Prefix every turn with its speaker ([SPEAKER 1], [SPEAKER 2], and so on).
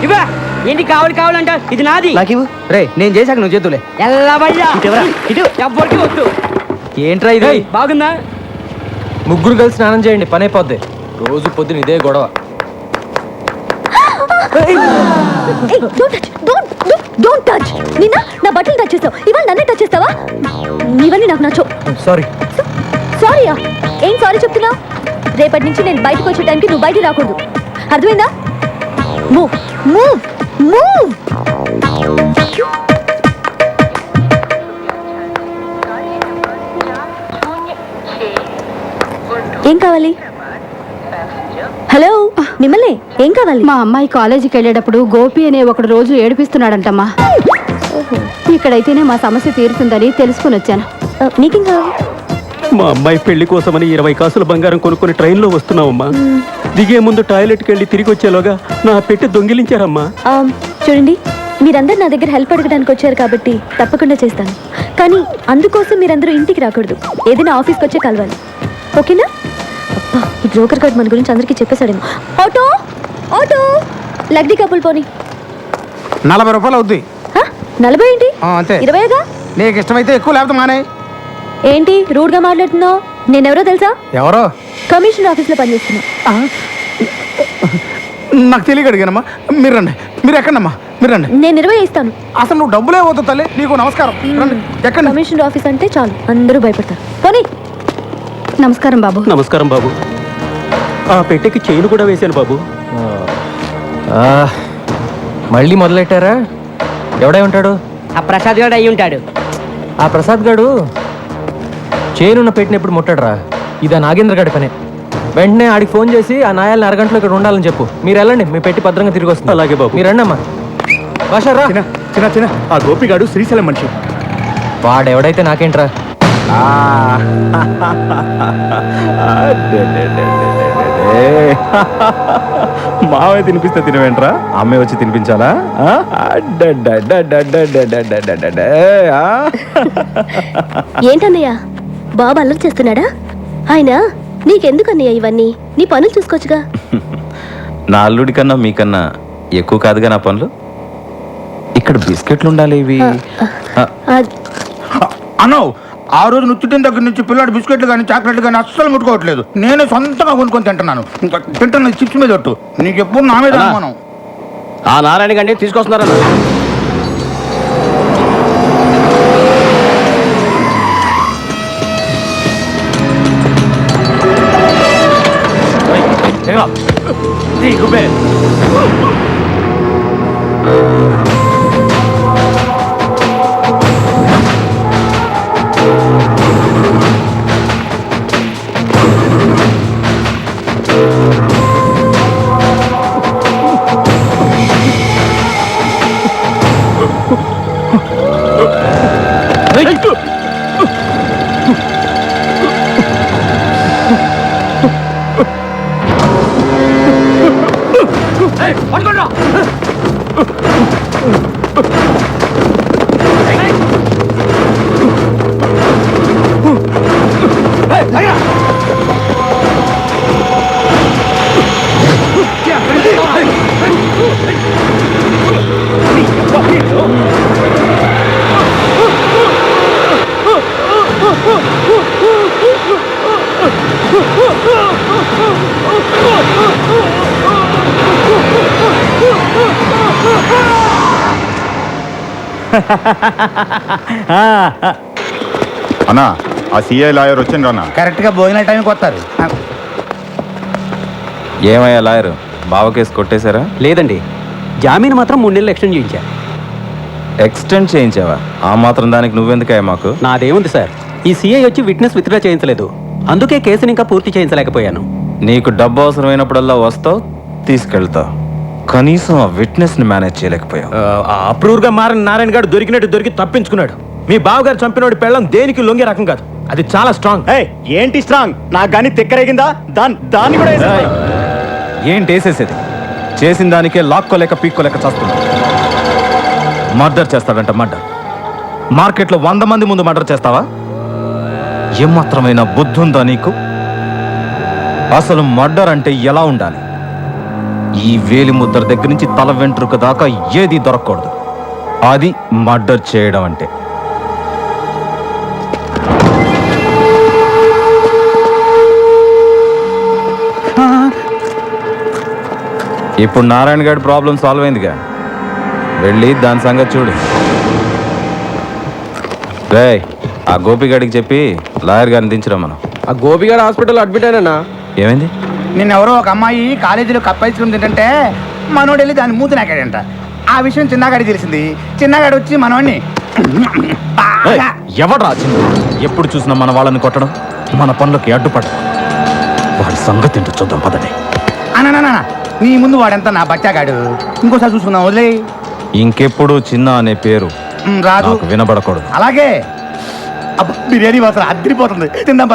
[SPEAKER 1] ఇవా ఏంటి కావాలంట ఇది నాది
[SPEAKER 2] నాకు రే నేను చేశాక నువ్వు చేతులే
[SPEAKER 1] ఎవ్వరికి వద్దు.
[SPEAKER 2] ఏంట్రా ఇది
[SPEAKER 1] బాగుందా?
[SPEAKER 2] ముగ్గురు కలిసి స్నానం చేయండి పని అయిపోద్ది. రోజు పొద్దున ఇదే గొడవ.
[SPEAKER 3] నిన్న నా బట్టలు టచ్ చేస్తావు, ఇవాళ నన్నే టచ్ చేస్తావా? ఇవన్నీ నాకు నచ్చవు.
[SPEAKER 2] సారీ.
[SPEAKER 3] సారీయా? ఏం సారీ చెప్తున్నావు? రేపటి నుంచి నేను బయటకు వచ్చే టైంకి నువ్వు బయట రాకూడదు, అర్థమైందా? Move move move. ఏం కావాలి? హలో, మిమ్మల్ని ఏం కావాలి?
[SPEAKER 4] మా అమ్మాయి కాలేజీకి వెళ్ళేటప్పుడు గోపి అనే ఒకడు రోజు ఏడిపిస్తున్నాడంటమ్మా. ఇక్కడైతేనే మా సమస్య తీరుతుందని తెలుసుకుని వచ్చాను.
[SPEAKER 3] నీకేం కావాలి?
[SPEAKER 5] మా అమ్మాయి పెళ్లి కోసమని 20 కాసుల బంగారం కొనుక్కొని ట్రైన్లో వస్తున్నామమ్మా. దిగే ముందు టాయిలెట్కి వెళ్ళి తిరిగి వచ్చేలోగా నా పెట్టి దొంగిలించారమ్మా.
[SPEAKER 3] చూడండి, మీరందరూ నా దగ్గర హెల్ప్ అడగడానికి వచ్చారు కాబట్టి తప్పకుండా చేస్తాను. కానీ అందుకోసం మీరందరూ ఇంటికి రాకూడదు, ఏదైనా ఆఫీస్కి వచ్చే కలవాలి, ఓకేనా? అబ్బా, ఈ బ్రోకర్ గార్డ్ మన గురించి అందరికీ చెప్పేశాడేమో. ఆటో ఆటో లగ్డీ కప్పులు పోనీ.
[SPEAKER 6] 40 రూపాయలు అవుద్ది.
[SPEAKER 3] 40 ఏంటి?
[SPEAKER 6] అంతే.
[SPEAKER 3] 20గా?
[SPEAKER 6] నీకు ఇష్టమైతే ఎక్కువ, లేకపోతే మానే.
[SPEAKER 3] ఏంటి రూడ్గా మాట్లాడుతున్నావు? నేనెవరో తెలుసా?
[SPEAKER 6] ఎవరో?
[SPEAKER 3] కమిషన్ ఆఫీస్లో పనిచేస్తున్నా.
[SPEAKER 6] నాకు తెలియక అడిగానమ్మా. మీరు రండి. మీరు ఎక్కడమ్మా? మీరు రండి.
[SPEAKER 3] నేను 20 ఇస్తాను.
[SPEAKER 6] అసలు నువ్వు డబ్బులే పోతావు తల్లి. నీకు నమస్కారం. రండి. ఎక్కడ?
[SPEAKER 3] కమిషన్ ఆఫీస్ అంటే చాలు అందరూ భయపడతారు. పోనీ.
[SPEAKER 4] నమస్కారం బాబు.
[SPEAKER 5] నమస్కారం బాబు. ఆ పెట్టెకి చైన్ కూడా వేశాను బాబు.
[SPEAKER 2] మళ్ళీ మొదలెట్టారా? ఎవడై ఉంటాడు?
[SPEAKER 1] ఆ ప్రసాద్ గారు అయి ఉంటాడు.
[SPEAKER 2] ఆ ప్రసాద్ గాడు చైనున్న పెట్టిన ఎప్పుడు ముట్టాడరా? ఇది ఆ నాగేంద్ర గాడి పనే. వెంటనే ఆడికి ఫోన్ చేసి ఆ నాయాలని అరగంటలో ఇక్కడ ఉండాలని చెప్పు. మీరు వెళ్ళండి, మీ పెట్టి భద్రంగా తిరిగి వస్తుంది.
[SPEAKER 5] అలాగే బాబు.
[SPEAKER 2] మీరు రండి అమ్మా. భాషరా
[SPEAKER 6] చిన్న ఆ గోపిగాడు శ్రీశైలం మనిషి.
[SPEAKER 2] వాడెవడైతే నాకేంట్రా?
[SPEAKER 6] మావే తినిపిస్తే తినవేంట్రా? అమ్మే వచ్చి తినిపించాలా?
[SPEAKER 3] ఏంటన్నయ్య బాబు అల్లరి చేస్తున్నాడా? ఆయన నీకెందుకన్నయ్య ఇవన్నీ? నీ పనులు చూసుకోవచ్చుగా.
[SPEAKER 7] నా అల్లుడి కన్నా మీకన్నా ఎక్కువ కాదుగా నా పనులు. ఇక్కడ బిస్కెట్లు ఉండాలి. ఇవి
[SPEAKER 6] అన్నో, ఆ రోజు నుచ్చిటిన దగ్గర నుంచి పిల్లాడు బిస్కెట్లు కానీ చాక్లెట్లు కానీ అస్సలు ముట్టుకోవట్లేదు. నేనే సొంతంగా కొనుక్కొని తింటున్నాను. ఇంకా తింటున్న చిప్స్ మీద ఒట్టు. నీకు ఎప్పుడు నా మీద అనుమానం.
[SPEAKER 5] ఆ నారాయణ గండి తీసుకొస్తున్నారన్న.
[SPEAKER 8] అన్నా, ఆ సిఐ లాయర్ వచ్చిండ్రు అన్న.
[SPEAKER 6] కరెక్ట్గా భోజనాల టైంకి వస్తారు.
[SPEAKER 7] ఏమయ్యా లాయరు, బావ కేసు కొట్టేశారా?
[SPEAKER 5] లేదండి, జామీన్ మాత్రం 3 నెలలు ఎక్స్టెండ్ చేయించా.
[SPEAKER 7] ఎక్స్టెండ్ చేయించావా? ఆ మాత్రం దానికి నువ్వెందుకయ్యా మాకు?
[SPEAKER 5] నాదేముంది సార్, ఈ సిఐ వచ్చి విట్నెస్ విత్డ్రా చేయించలేదు, అందుకే కేసుని ఇంకా పూర్తి చేయించలేకపోయాను.
[SPEAKER 7] నీకు డబ్బు అవసరమైనప్పుడల్లా వస్తావు, తీసుకెళ్తావు, కనీసం ఆ విట్నెస్ ని మేనేజ్ చేయలేకపోయావు.
[SPEAKER 9] అప్రూవ్ గా మారిన నారాయణ గారు దొరికినట్టు దొరికి తప్పించుకున్నాడు. మీ బావగారు చంపినోడి పెళ్ళం దేనికి లొంగే రకం కాదు, అది చాలా స్ట్రాంగ్.
[SPEAKER 6] ఏంటి స్ట్రాంగ్? నాకు కానీ తిక్కరేగిందా? దాన్ని కూడా
[SPEAKER 7] ఏంటి వేసేసేది? చేసిన దానికే లాక్కోలేక పీక్కోలేక చేస్తున్నా. మర్డర్ చేస్తాడంట, మర్డర్. మార్కెట్లో 100 మంది ముందు మర్డర్ చేస్తావా? ఏమాత్రమైన బుద్ధి ఉందా నీకు? అసలు మర్డర్ అంటే ఎలా ఉండాలి? ఈ వేలి ముద్ర దగ్గర నుంచి తల వెంట్రుక దాకా ఏది దొరకకూడదు. అది మర్డర్ చేయడం అంటే. ఇప్పుడు నారాయణ గారి ప్రాబ్లం సాల్వ్ అయిందిగా, వెళ్ళి దాని సంగతి చూడు. రే, ఆ గోపిగాడికి చెప్పి లాయర్ గారిని దించురా మనం.
[SPEAKER 2] ఆ గోపిగాడు హాస్పిటల్ అడ్మిట్ అయినా.
[SPEAKER 7] ఏమైంది?
[SPEAKER 6] నిన్నెవరో ఒక అమ్మాయి కాలేజీలో కప్ ఐస్ క్రీమ్ తింటుంటే మనోడు వెళ్ళి దాన్ని మూతి నాకాడంట. ఆ విషయం చిన్నగాడికి తెలిసింది. చిన్నగాడు వచ్చి మనోడిని
[SPEAKER 7] ఎవడ్రా చిన్న? ఎప్పుడు చూసినా మన వాళ్ళని కొట్టడం, మన పనులకి అడ్డుపడడం. వాడి సంగతి ఏంటో చూద్దాం పదండి.
[SPEAKER 6] అన్న నీ ముందు వాడెంత నా బచ్చాగాడు. ఇంకోసారి చూసుకుందాం, వదిలే.
[SPEAKER 7] ఇంకెప్పుడు చిన్న అనే పేరు
[SPEAKER 6] రాదు,
[SPEAKER 7] నాకు వినబడకూడదు.
[SPEAKER 6] అలాగే. బిర్యానీ మాత్రం అద్దరిపోతుంది, తిందాం.